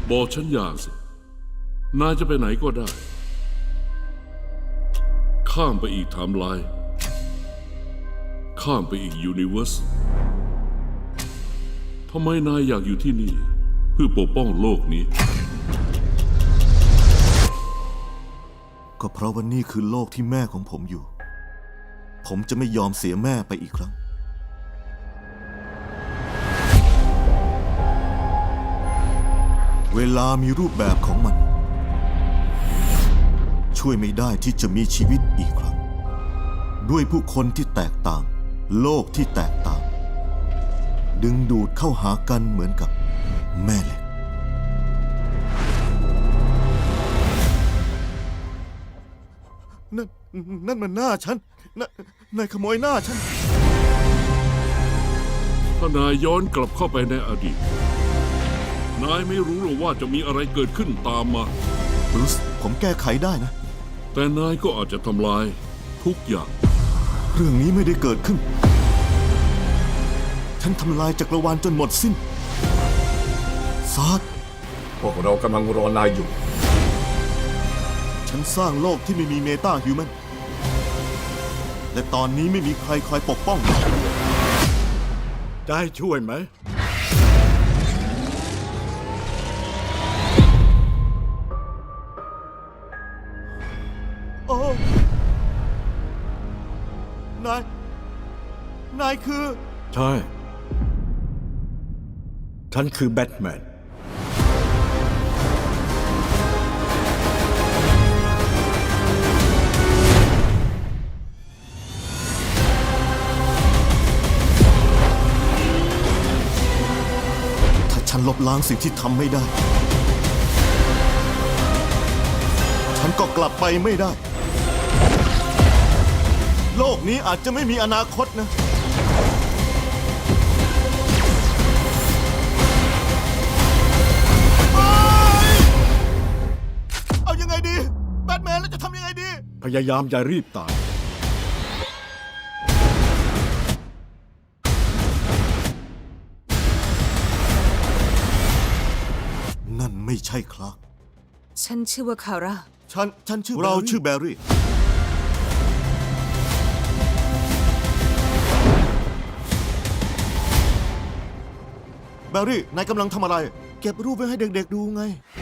บอกฉันอย่างสินายจะไปไหนก็ได้ข้ามไปอีกไทม์ไลน์ข้ามไปอีกยูนิเวอร์สทำไมนายอยากอยู่ที่นี่เพื่อปกป้องโลกนี้ก็เพราะว่านี่คือโลกที่แม่ของผมอยู่ผมจะไม่ยอมเสียแม่ไปอีกครั้งเวลามีรูปแบบของมันช่วยไม่ได้ที่จะมีชีวิตอีกครั้งด้วยผู้คนที่แตกต่างโลกที่แตกต่างดึงดูดเข้าหากันเหมือนกับแม่เหล็กนั่นมันหน้าฉันนายขโมยหน้าฉันถ้านายย้อนกลับเข้าไปในอดีตนายไม่รู้หรอกว่าจะมีอะไรเกิดขึ้นตามมาบรูซผมแก้ไขได้นะแต่นายก็อาจจะทำลายทุกอย่างเรื่องนี้ไม่ได้เกิดขึ้นฉันทำลายจักรวาลจนหมดสิ้นซาร์พวกเรากำลังรอนายอยู่ฉันสร้างโลกที่ไม่มีเมตาฮิวแมนและตอนนี้ไม่มีใครคอยปกป้องได้ช่วยไหมโอ้นายคือใช่ฉันคือแบทแมนฉันลบล้างสิ่งที่ทำไม่ได้ฉันก็กลับไปไม่ได้โลกนี้อาจจะไม่มีอนาคตนะเอายังไงดีแบทแมนแล้วจะทำยังไงดีพยายามอย่ารีบตายนั่นไม่ใช่คลาร์กฉันชื่อว่าคาร่าฉันชื่อเราชื่อแบร์รี่แบร์รี่นายกำลังทำอะไรเก็บรูปไว้ให้เด็กๆดูไง